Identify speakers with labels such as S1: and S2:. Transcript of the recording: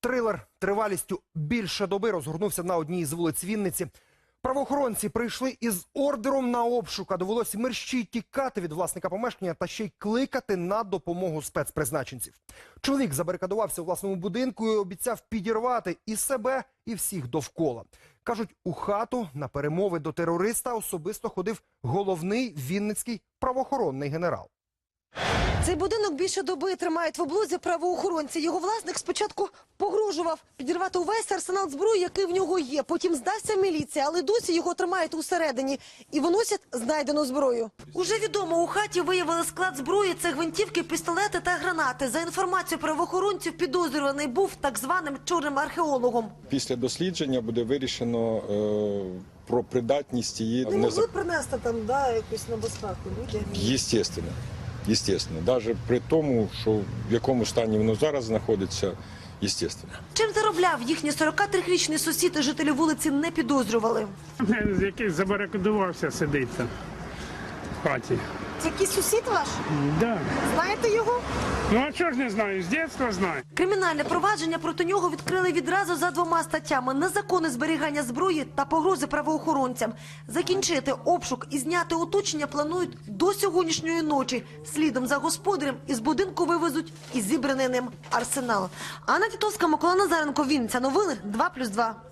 S1: Трилер тривалістю більше доби розгорнувся на одній із вулиць Вінниці. Правоохоронці прийшли із ордером на обшук, а довелося мерщій тікати від власника помешкання та ще й кликати на допомогу спецпризначенців. Чоловік забарикадувався у власному будинку і обіцяв підірвати і себе, і всіх довкола. Кажуть, у хату на перемови до терориста особисто ходив головний вінницький правоохоронний генерал.
S2: Цей будинок більше доби тримають в облозі правоохоронці. Його власник спочатку погрожував підірвати увесь арсенал зброї, який в нього є. Потім здався міліції, але досі його тримають усередині і виносять знайдену зброю. Уже відомо, у хаті виявили склад зброї. Це гвинтівки, пістолети та гранати. За інформацією правоохоронців, підозрюваний був так званим чорним археологом.
S3: Після дослідження буде вирішено про придатність її.
S2: Не могли принести там, якусь небезпеку людям?
S3: Естественно, навіть при тому, що в якому стані воно зараз знаходиться, естественно.
S2: Чим заробляв їхній 43-річний сусід і жителі вулиці не підозрювали.
S4: Якийсь забарикадувався сидить там в хаті.
S2: Це якийсь сусід ваш?
S4: Да.
S2: Знаєте його?
S4: Ну а чого ж не знаю, з дитинства знаю.
S2: Кримінальне провадження проти нього відкрили відразу за 2 статтями: незаконне зберігання зброї та погрози правоохоронцям. Закінчити обшук і зняти оточення планують до сьогоднішньої ночі. Слідом за господарем із будинку вивезуть і зібраний ним арсенал. Анна Тітовська, Микола Назаренко, Вінниця. Новини 2+2.